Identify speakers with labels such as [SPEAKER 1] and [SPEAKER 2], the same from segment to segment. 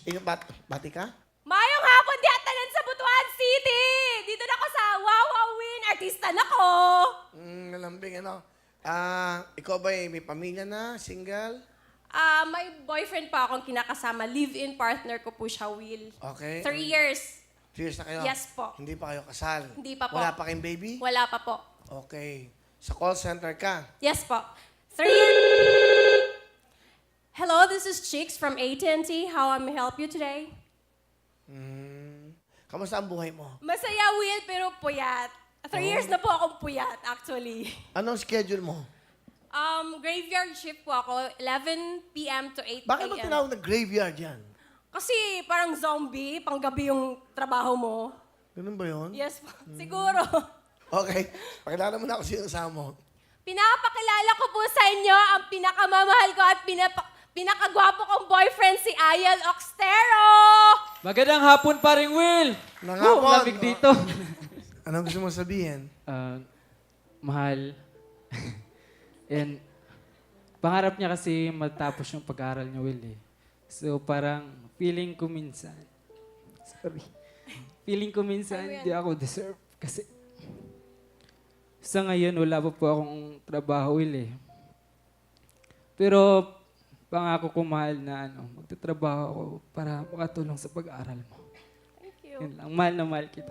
[SPEAKER 1] Ikaw, bati ka?
[SPEAKER 2] Mayong hapon di atanan sa Butuan City! Dito na ako sa Wawa Win. Artista na ko!
[SPEAKER 1] Nalambing, ano? Ikaw ba may pamilya na? Single?
[SPEAKER 2] May boyfriend pa akong kinakasama. Live-in partner ko po siya, Will.
[SPEAKER 1] Okay.
[SPEAKER 2] 3 years.
[SPEAKER 1] Serious na kayo?
[SPEAKER 2] Yes po.
[SPEAKER 1] Hindi pa kayo kasal?
[SPEAKER 2] Hindi pa po.
[SPEAKER 1] Wala pa kayong baby?
[SPEAKER 2] Wala pa po.
[SPEAKER 1] Okay. Sa call center ka?
[SPEAKER 2] Yes po. 3 years. Hello, this is Chicks from AT&T. How may I help you today?
[SPEAKER 1] Kamusta ang buhay mo?
[SPEAKER 2] Masaya, Will, pero puyat. 3 years na po akong puyat, actually.
[SPEAKER 1] Anong schedule mo?
[SPEAKER 2] Graveyard shift po ako, 11 p.m. to 8
[SPEAKER 1] Bakit
[SPEAKER 2] a.m.
[SPEAKER 1] mo tinawag na graveyard yan?
[SPEAKER 2] Kasi parang zombie, panggabi yung trabaho mo.
[SPEAKER 1] Ganun ba yun?
[SPEAKER 2] Yes po, siguro.
[SPEAKER 1] Okay. Pakilala mo na ako sino kasama mo.
[SPEAKER 2] Pinapakilala ko po sa inyo ang pinakamamahal ko at pinakagwapo kong boyfriend, si Ayel Oxtero!
[SPEAKER 3] Magandang hapon, paring Will!
[SPEAKER 1] Nangapon.
[SPEAKER 3] Lamig dito.
[SPEAKER 1] Anong gusto mo sabihin?
[SPEAKER 3] Mahal. And pangarap niya kasi matapos yung pag-aaral niya, Will eh. So parang feeling ko minsan, hindi ako deserve kasi sa ngayon wala pa po akong trabaho, Will eh. Pero pangako ko, mahal, na magtatrabaho ako para makatulong sa pag-aaral mo.
[SPEAKER 2] Thank you.
[SPEAKER 3] Yun lang, mahal na mahal kita.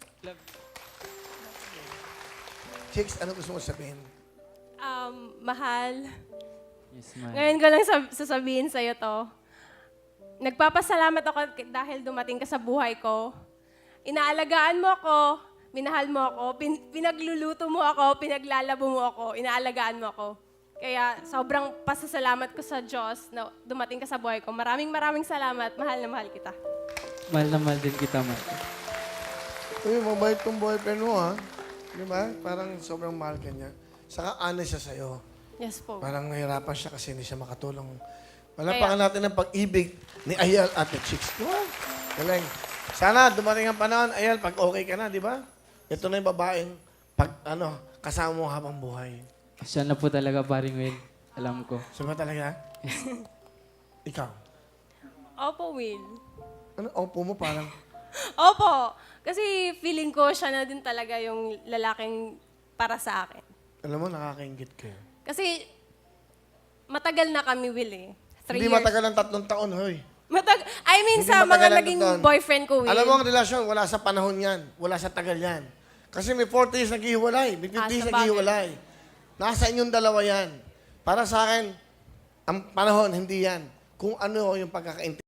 [SPEAKER 1] Chicks, ano gusto mo sabihin?
[SPEAKER 2] Mahal,
[SPEAKER 3] Yes, mahal.
[SPEAKER 2] ngayon ko lang sasabihin sa'yo to. Nagpapasalamat ako dahil dumating ka sa buhay ko. Inaalagaan mo ako, minahal mo ako, pinagluluto mo ako, pinaglalabo mo ako, inaalagaan mo ako. Kaya sobrang pasasalamat ko sa Diyos na dumating ka sa buhay ko. Maraming salamat. Mahal na mahal kita.
[SPEAKER 3] Mahal na mahal din kita, mahal.
[SPEAKER 1] Uy, mabait tong boyfriend mo, ha? Di ba? Parang sobrang mahal ka niya. Saka honest siya sa'yo.
[SPEAKER 2] Yes po.
[SPEAKER 1] Parang nahirapan siya kasi hindi siya makatulong. Wala
[SPEAKER 2] Kaya-
[SPEAKER 1] pa natin ang pag-ibig ni Ayel at the Chicks. Di ba? Galing. Sana dumating ang panahon, Ayel, pag okay ka na, di ba? Ito na yung babaeng kasama mo habang buhay.
[SPEAKER 3] Siya na po talaga, paring Will. Alam ko.
[SPEAKER 1] Sabi talaga? Ikaw.
[SPEAKER 2] Opo, Will.
[SPEAKER 1] Ano, opo mo parang...
[SPEAKER 2] Opo. Kasi feeling ko siya na din talaga yung lalaking para sa akin.
[SPEAKER 1] Alam mo, nakakaingit ka.
[SPEAKER 2] Kasi matagal na kami, Will eh. 3
[SPEAKER 1] Hindi
[SPEAKER 2] years.
[SPEAKER 1] matagal ng 3 taon, hoy.
[SPEAKER 2] Hindi sa
[SPEAKER 1] Hindi
[SPEAKER 2] mga
[SPEAKER 1] matagal ang
[SPEAKER 2] naging
[SPEAKER 1] taon.
[SPEAKER 2] boyfriend ko, Will.
[SPEAKER 1] Alam mo ang relasyon, wala sa panahon yan. Wala sa tagal yan. Kasi may 40 years naghihiwalay, may 50 years
[SPEAKER 2] sa bagay.
[SPEAKER 1] naghihiwalay. Nasa inyong dalawa yan. Para sa akin, ang panahon, hindi yan. Kung ano yung pagkakaintindi.